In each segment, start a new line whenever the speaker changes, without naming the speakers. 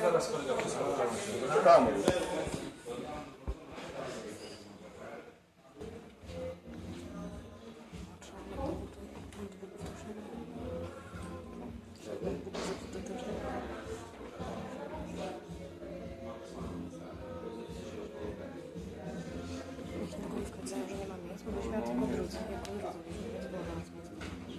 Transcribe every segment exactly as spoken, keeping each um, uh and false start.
Zaraz kolega posłucha.
Czekamy.
Że nie ma miejsc, bo byśmy miał tylko drudzy, jak on drudzy byśmy, więc było na nas miejsce.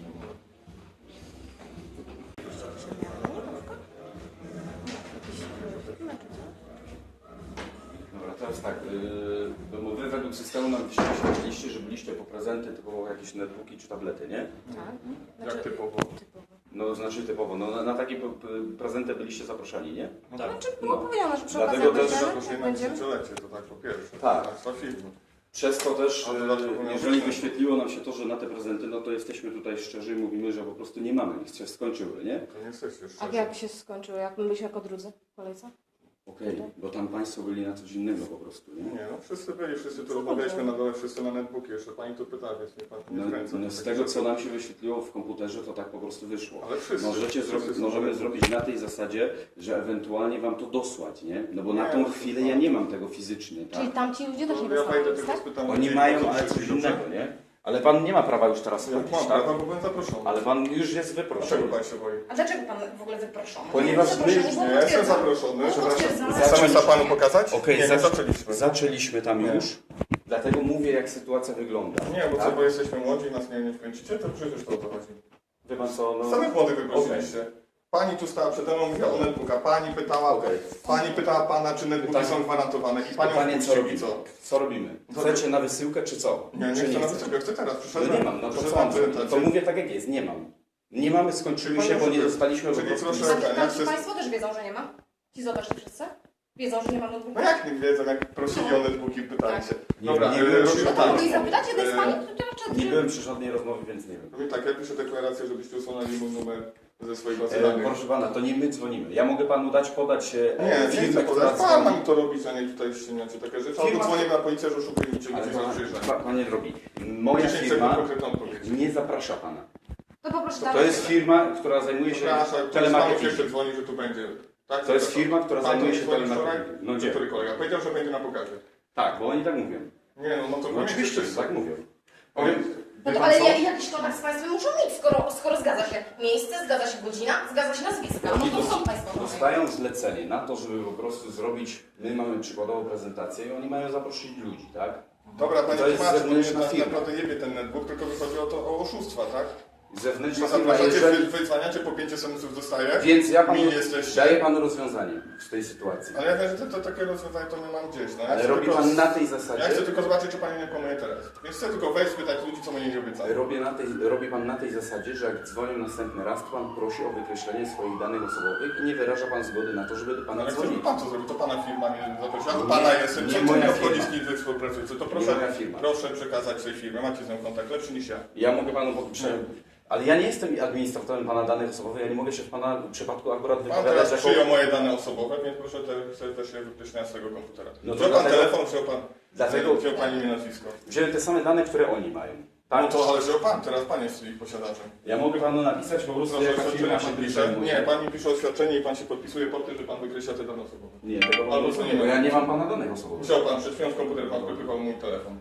Dobra, teraz tak, yy, bo wy według systemu nam wyświetliliście, że byliście po prezenty typowo jakieś netbooki czy tablety, nie?
Tak.
Jak typowo?
Typowo.
No znaczy typowo, no na, na takie p- p- prezenty byliście zaproszeni, nie?
No tak. Znaczy było powiedziane, że przy
Dlatego
okazji
też
będziemy,
Zaproszenie
jak
na
będziemy.
dziesięciolecie, to tak po pierwsze.
Tak.
Państwa firmy.
Przez to też,
A dodatkowo
yy,
miał
jeżeli
prezent.
wyświetliło nam się to, że na te prezenty, no to jesteśmy tutaj szczerzy i mówimy, że po prostu nie mamy, niech się skończyły, nie?
To nie jesteście
A
szczerzy.
jak się skończyło? Jak my byliśmy jako drudzy w kolejce?
Okej, bo tam państwo byli na coś innego po prostu, nie?
Nie, no wszyscy byli, wszyscy tu
Co
rozmawialiśmy
chodzi?
na dole, wszyscy na netbooki. Jeszcze pani tu pyta, więc nie pan nie
No,
wkręca.
no z tego, co nam się wyświetliło w komputerze, to tak po prostu wyszło.
Ale wszyscy.
Możecie
wszyscy
zrobić,
są
możemy
na
zrobić na tej zasadzie, że ewentualnie wam to dosłać, nie? No bo na
Nie,
tą
to
chwilę
tak.
ja nie mam tego fizycznie, tak?
Czyli tamci ludzie też nie
To ja
dostali
pojdę
nic,
tylko
tak?
spytam.
Oni
ludzi,
mają,
po co
ale coś
przyszli,
innego,
dobrze?
nie? Ale pan nie ma prawa już teraz
Ja
chodzić,
mam
tak?
prawa, bo byłem zaproszony.
Ale pan już jest
Dlaczego
wyproszony.
pan się boi?
A dlaczego pan w ogóle wyproszony?
Ponieważ my-
Zaproszenie było
Nie, ja jestem
potwierdzone.
zaproszony.
Było potwierdzone.
Chcemy za panu pokazać?
Okej,
nie, nie
zac-
zaczęliśmy.
Zaczęliśmy tam
Nie.
już, dlatego mówię, jak sytuacja wygląda.
Nie, bo co,
tak?
bo jesteśmy młodzi i nas nie, nie wkręcicie, to przecież to o to chodzi.
Wie pan co, no...
Samych młodych wyprosiliście. Pani tu stała przede mną, mówiła o netbooka. Pani pytała,
Okej.
pani pytała pana, czy netbooki
Pytanie-
są gwarantowane i panią
Pytanie, co
wpuścili,
robimy?
co?
Co robimy? Chcecie na wysyłkę, czy co?
Nie, nie
czy
chcę na
chcecie?
wysokę, chcę teraz,
No
przyszedłem.
nie mam, no to co
przyszedłem
mam zrobić? To
prezentację.
mówię tak jak jest, nie mam. Nie mamy, skończyły
Czyli
się, bo
panie,
nie
żeby-
dostaliśmy po
czyli
prostu...
proszę-
listu.
Ja
A
chcę-
ci Państwo też wiedzą, że nie ma? Ci zobaczyli wszyscy? Wiedzą, że nie ma notebooka?
No jak nie wiedzą, jak prosili o netbooki, pytali się.
Nie,
Dobra,
nie
e,
byłem
robimy
przy-
No to
tak.
mogli zapytać, jedna z
E,
Pani, to raczej...
Nie byłem przy żadnej rozmowie, więc nie wiem.
Robimy tak, ja piszę deklarację, żebyście usunęli mój numer ze swojej bazy
E,
danych.
proszę pana, to nie my dzwonimy. Ja mogę panu dać, podać e,
Nie, nie
firmę,
chcę
która
podać. Pan ma
dzwoni.
mi to robić, a nie tutaj ściemniacie takie rzeczy. Albo
Firma-
dzwonię na policję, że oszukujecie,
Ale
gdzie
pana,
są przyjeżdżać.
pa, panie drogi, moja
dziesięć sekund
firma
konkretną odpowiedź.
nie zaprasza pana.
To poproszę
To
dalej.
jest firma, która zajmuje się
Przepraszam, ktoś jeszcze
telemarketingiem.
dzwoni, że tu będzie. Tak?
To jest firma, która
Pan
zajmuje
tu
się
dzwonił wczoraj?
telemarketingiem. No gdzie?
Który kolega? Powiedział, że będzie na pokazie.
Tak, bo oni tak mówią.
Nie no, no to
No
koniec
oczywiście,
jest.
tak mówią. Powiem,
No
wie
to,
pan
ale
co?
ja- jakiś kontakt z Państwem muszą mieć, skoro, skoro zgadza się miejsce, zgadza się godzina, zgadza się nazwiska.
Oni
No to
dos-
są Państwo.
dostają zlecenie na to, żeby po prostu zrobić, my mamy przykładowo prezentację i oni mają zaprosić ludzi, tak?
Dobra, panie
To jest
tłumaczy, bo mnie
zewnętrzna
tak
firma.
naprawdę jebie ten netbook, tylko wychodzi o to o oszustwa, tak?
Zewnętrzna
Że
firma,
zapraszacie,
jeżeli...
wy, wydzwaniacie, po pięć esenców dostaję.
Więc ja panu
Mili jesteście.
daję panu rozwiązanie w tej sytuacji.
Ale ja wiem, że to, to takie rozwiązanie to nie mam gdzieś. No. Ja
Ale
chcę
robi
tylko-
pan na tej
Ja
zasadzie...
chcę tylko zobaczyć, czy pani nie kłamuje teraz. Więc chcę tylko wejść, spytać ludzi, co mnie nie obiecali.
Robię na tej, robi pan na tej zasadzie, że jak dzwonią następny raz, to pan prosi o wykreślenie swoich danych osobowych i nie wyraża pan zgody na to, żeby do pana
Ale chcę, żeby
dzwonić.
pan to zrobił, to pana firma mnie zaprosiła. Ja do
Nie,
pana jestem,
nie
co
moja
mnie obchodzi,
firma.
z kim wy współpracujecie. To
Nie
proszę,
moja firma.
proszę przekazać tej firmie. Macie z nią kontakt, lepszy niż ja.
Ja mogę panu prze... Ale ja nie jestem administratorem pana danych osobowych, ja nie mogę się w pana przypadku akurat
Pan
wypowiadać
teraz
jako...
przyjął moje dane osobowe, więc proszę te, sobie też je wypyszniać z tego komputera.
No to
wziął pan
dlatego-
telefon, wziął pan,
Dlatego-
wziął pani imię, nazwisko.
Wziąłem te same dane, które oni mają.
No
Tak?
to ale wziął pan, teraz pan jest ich posiadaczem.
Ja mogę panu napisać po prostu,
Proszę,
jaka firma
oświadczenie
się
pan
tym
pisze.
zajmuje.
Nie, pan mi pisze oświadczenie i pan się podpisuje pod tym, że pan wykreśla te dane osobowe.
Nie, tego
Albo
Albo
co
nie,
nie
bo
ma.
ja nie mam pana danych osobowych.
Wziął pan, przed chwilą z komputera pan wypychał mój telefon.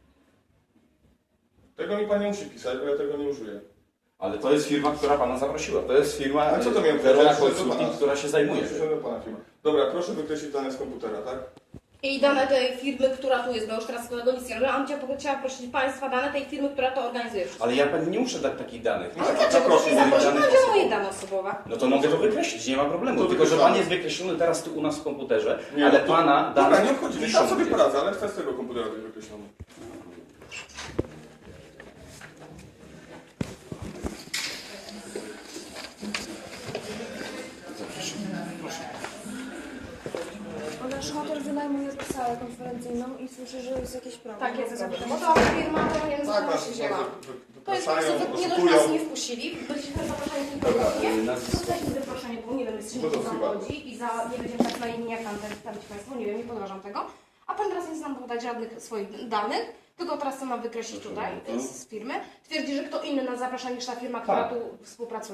Tego mi pan nie musi pisać, bo ja tego nie użyję.
Ale to jest firma, która pana zaprosiła. To jest firma
A co to
e,
miał
Verona
powiedzieć, że to
Consulting,
pana-
która się zajmuje.
Przyszedłem pana firma. Dobra, proszę wykreślić dane z komputera, tak?
I dane tej firmy, która tu jest, bo już teraz kolego nic nie robię, a bym chciała, chciała prosić Państwa dane tej firmy, która to organizuje wszystko.
Ale ja pani nie muszę dać takich danych.
No,
Ale
to
dlaczego?
proszę,
Proszę
moich
zaprosić,
danych
będzie moje
osobowych.
dane osobowe.
No to mogę to wykreślić, nie ma problemu.
To
Tylko, że
wykreślamy.
pan jest wykreślony teraz tu u nas w komputerze,
Nie,
ale
no to-
pana
Dobra,
dane
nie obchodzi, nie
piszą
tam sobie
gdzieś.
poradzę, ale chcę z tego komputera być wykreślony.
Bo nasz hotel wynajmuje salę konferencyjną i słyszę, że jest jakieś problem.
Tak jest, bo to firma, to nie wiem,
Tak,
co
nas
się wzięła. To jest po
wypraszają,
prostu, nie dość
oszukują.
nas nie wpuścili, byliśmy zaproszeni tylko
Dobra,
nie?
nazwisko.
Zostaliśmy zaproszeni, bo nie wiem, jest
No to
się
chyba.
chodzi i za, nie będziemy tak na inni jak tam przedstawić Państwu, nie wiem, nie podważam tego. A Pan teraz nie chce nam podać żadnych swoich danych, tylko teraz co mam wykreślić tutaj z, z firmy. Twierdzi, że kto inny nas zaprasza niż ta firma, która
Tak.
tu współpracuje.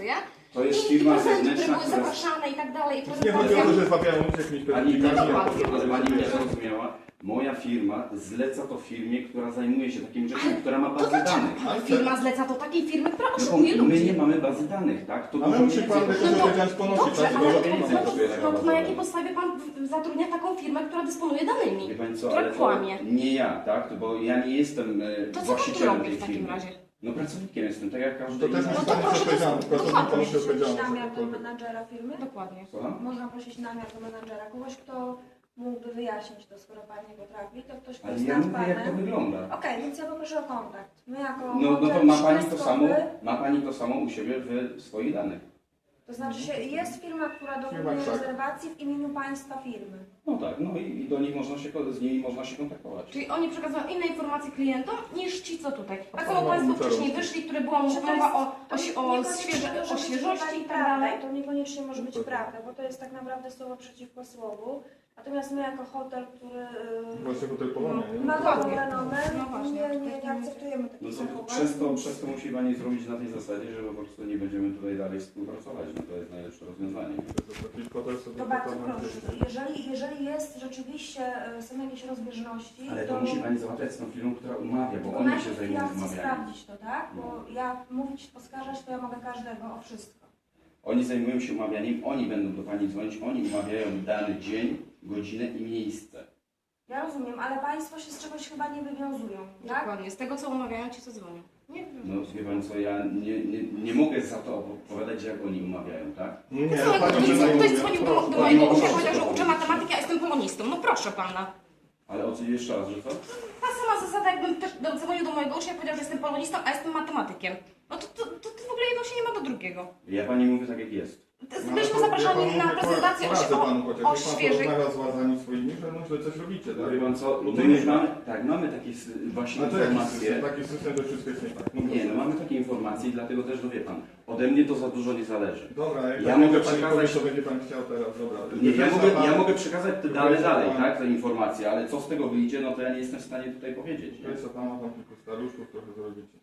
To jest
I,
firma
i prezenty, które
zewnętrzna,
były
która...
zapraszane i tak dalej. I
Nie chodzi o to, że złapiają jakimiś
Pani,
pewnikami.
ale pani mnie zrozumiała. Moja firma zleca to firmie, która zajmuje się takimi rzeczami, która ma
To
bazę
dlaczego
danych.
pana firma zleca to takiej firmy, która
No,
oszukuje
bo my
ludzi?
nie mamy bazy danych, tak? To
Ale
dużo
musi pan
więcej
tylko
kosztuje.
wiedzieć ponosić,
Dobrze,
tak?
ale
Dużo
no,
pieniędzy
no,
kosztuje
to,
taka
no,
baza
to na jakiej
danych.
podstawie pan w- zatrudnia taką firmę, która dysponuje danymi?
Wie pani co,
która
ale to
kłamie?
nie ja, tak? Bo ja nie jestem e,
To co pan tu
właścicielem
robi
tej
w takim
firmy.
razie?
No pracownikiem jestem, tak jak każdy
To też
inny.
musi
to
pan
proszę,
być odpowiedzialny.
to-
Pracownik
dokładnie.
ponosi
Prosić
odpowiedzialność. za
namiar do
cokolwiek.
menadżera firmy?
Dokładnie.
Słucham?
Można prosić namiar do menadżera, kogoś, kto mógłby wyjaśnić to, skoro pan nie potrafi, to ktoś, kto
Ale
jest
ja
nad
mówię, jak to
panem.
wygląda.
Okej, więc ja poproszę o kontakt. My jako
No, no to
hotel
ma pani to
szkolnictwowy-
samo, ma pani to samo u siebie w swoich danych.
To znaczy się, jest firma, która dokonuje
tak.
rezerwacji w imieniu państwa firmy.
No tak, no i, i do nich można się, z nimi można się kontaktować.
Czyli oni przekazują inne informacje klientom niż ci, co tutaj. Tak
pan
samo
ma
Państwo
komputerów.
wcześniej wyszli, które była
Czy to
mowa
jest-
o,
to
o,
nie-
o,
niekoniecznie
świeże,
może
o
być
świeżości
tutaj
i tak
prawda,
dalej.
To niekoniecznie może być prawda, bo to jest tak naprawdę słowo przeciwko słowu. Natomiast my jako hotel, który yy,
Właśnie hotel Polonia, nie?
ma
Dokładnie.
dobrą renomę,
No właśnie.
nie, nie, nie akceptujemy
No
takich
to
zachowań.
przez to, przez to musi pani zrobić na tej zasadzie, że po prostu nie będziemy tutaj dalej współpracować. No to jest najlepsze rozwiązanie.
To jest taki hotel sobie
To bardzo
hotel na
proszę.
świecie.
Jeżeli, jeżeli jest rzeczywiście, y, są jakieś rozbieżności,
Ale
to
to musi pani załatwiać z tą firmą, która umawia, bo
to
oni się
najpierw
zajmują
ja chcę
umawianiem.
sprawdzić to, tak? Bo ja mówić, oskarżać to ja mogę każdego o wszystko.
Oni zajmują się umawianiem, oni będą do pani dzwonić, oni umawiają dany dzień, godzinę i miejsce.
Ja rozumiem, ale państwo się z czegoś chyba nie wywiązują, tak?
Dokładnie, z tego co umawiają ci, co dzwonią. Nie wiem.
No wie pani co, ja nie, nie, nie mogę za to opowiadać, jak oni umawiają, tak?
Nie,
To samo jak
panią
ktoś,
przynajmniej
ktoś
mówię.
dzwonił do,
Proszę,
do
pani
mojego
proszę.
ucznia, powiedział, że uczę matematyki, a jestem polonistą. No proszę pana.
Ale o co jeszcze raz, że co?
Ta sama zasada, jakbym też do- dzwonił do mojego ucznia i powiedział, że jestem polonistą, a jestem matematykiem. No to, to, to, to w ogóle jedno się nie ma do drugiego.
Ja pani mówię tak jak jest.
To-
No, ale
Byliśmy
to ja
zapraszani
panu
na
mówię,
prezentację o,
poradzę
o,
panu chociaż.
o
Niech pan
świeżych...
porozmawia z władzami swoimi, że no źle coś robicie, tak?
Wie pan co,
Bo
my
to
już
nie-
mamy, tak, mamy takie s- właśnie
No to jaki
informacje.
system? Taki system, że wszystko jest nie tak. No
Nie,
proszę.
no mamy takie informacje i dlatego też, no wie pan, ode mnie to za dużo nie zależy.
Dobra, jak
Ja
tak
mogę
będzie pani
przekazać-
powie, co będzie pan chciał teraz, dobra.
Nie, ja,
Wyjaśnia
mogę,
pan-
ja mogę przekazać te dane
Wyjaśnia
dalej,
pan-
tak, te informacje, ale co z tego wyjdzie, no to ja nie jestem w stanie tutaj powiedzieć.
To
Nie?
jest co pan ma tam kilku staruszków, trochę zrobicie.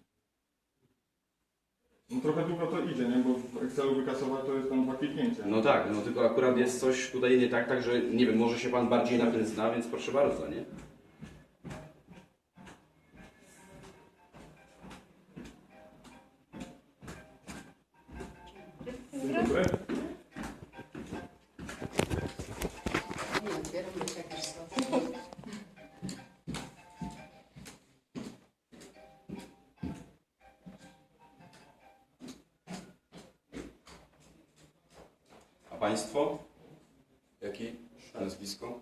No trochę długo to idzie, nie? Bo w Excelu wykasować to jest tam dwa kliknięcia.
No tak, no tylko akurat jest coś tutaj nie tak, także nie wiem, może się pan bardziej na tym zna, więc proszę bardzo, nie?
Dzień dobry.
A państwo? Jakie nazwisko?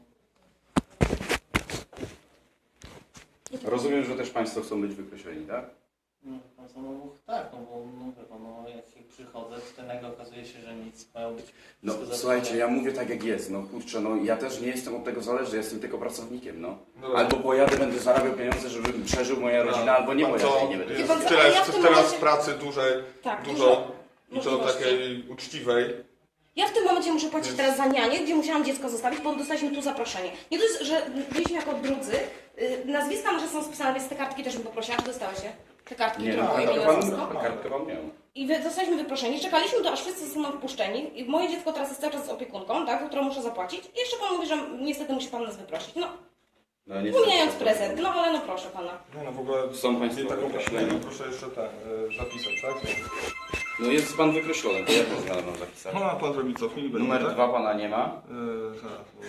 Rozumiem, że też państwo chcą być wykreśleni, tak?
No, pan samochód tak, no bo no, wie pan, no, jak przychodzę, to nagle okazuje się, że nic mają być.
No
wszystko
słuchajcie,
zatrzymane.
ja mówię tak jak jest, no kurczę, no ja też nie jestem od tego zależny, jestem tylko pracownikiem, no.
Dobra.
Albo pojadę, będę zarabiał pieniądze, żeby przeżył moja rodzina, albo nie
Pan
pojadę
co,
i nie będę.
jest
Wie pan co,
tyle,
ale ja w tym
teraz
momencie-
pracy dużej,
Tak,
dużo i to
możliwości.
takiej uczciwej.
Ja w tym momencie muszę płacić
Więc-
teraz za nianię, gdzie musiałam dziecko zostawić, bo dostaliśmy tu zaproszenie. Nie to jest, że byliśmy jako drudzy. y, Nazwiska nasze są spisane, więc te kartki też bym poprosiła. Czy dostały się? Te kartki,
Nie,
które
no,
mają imię i
kartkę
nazwisko.
pan, kartkę pan miał.
I wy, zostaliśmy wyproszeni. Czekaliśmy to, aż wszyscy zostaną wpuszczeni. I moje dziecko teraz jest cały czas z opiekunką, tak, za którą muszę zapłacić. I jeszcze pan mówi, że niestety musi pan nas wyprosić. No,
No, niestety,
pomijając
to-
prezent. No ale no proszę pana.
Nie no w ogóle
Są państwo
nie taką
wykreśleni.
nie, no, proszę jeszcze ten, y, zapisać, tak?
No jest pan wykreślony, to ja to zmianę mam zapisać.
No a pan zrobi cofnij, będzie,
Numer
tak?
dwa pana nie ma.
Yy, zaraz, bo...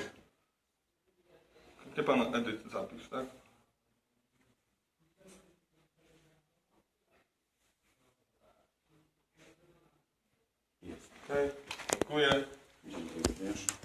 Gdzie pan edyt zapisz, tak?
Jest.
Okej, dziękuję.
Dziękuję również.